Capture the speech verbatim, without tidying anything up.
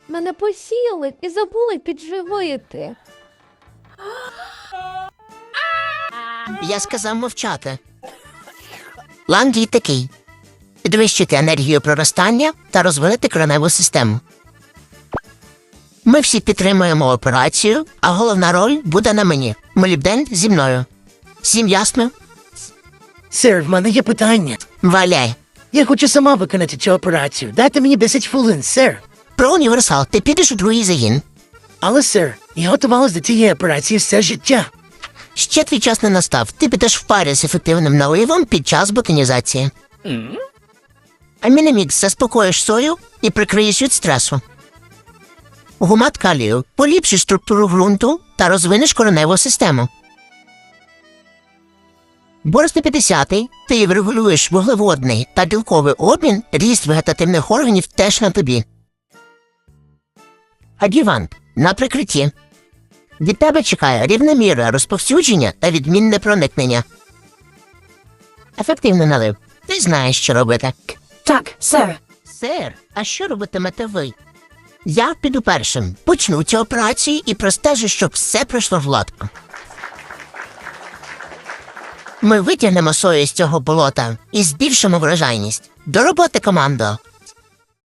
Мене посіяли і забули підживити. Я сказав мовчати. План дій такий. Підвищити енергію проростання та розвинути кореневу систему. Ми всі підтримуємо операцію, а головна роль буде на мені. Молібден зі мною. Всім ясно? Сер, в мене є питання. Валяй. Я хочу сама виконати цю операцію. Дайте мені десять хвилин, сер. Про універсал ти підеш у другий загін. Але, сер, я готувалась до цієї операції все життя. Ще твій час не настав. Ти підеш в парі з ефективним наливом під час ботанізації. Mm? Аміномікс заспокоїш сою і прикриєш від стресу. Гумат калію поліпшиш структуру ґрунту та розвинеш кореневу систему. Бор сто п'ятдесят ти врегулюєш вуглеводний та білковий обмін, ріст вегетативних органів теж на тобі. Адювант на прикритті. Від тебе чекає рівномірне розповсюдження та відмінне проникнення. Ефективний налив. Ти знаєш, що робити. Так, сер. Сер, а що робитимете ви? Я піду першим, почну цю операцію і простежу, щоб все пройшло гладко. Ми витягнемо сою з цього болота і збільшимо врожайність. До роботи, командо!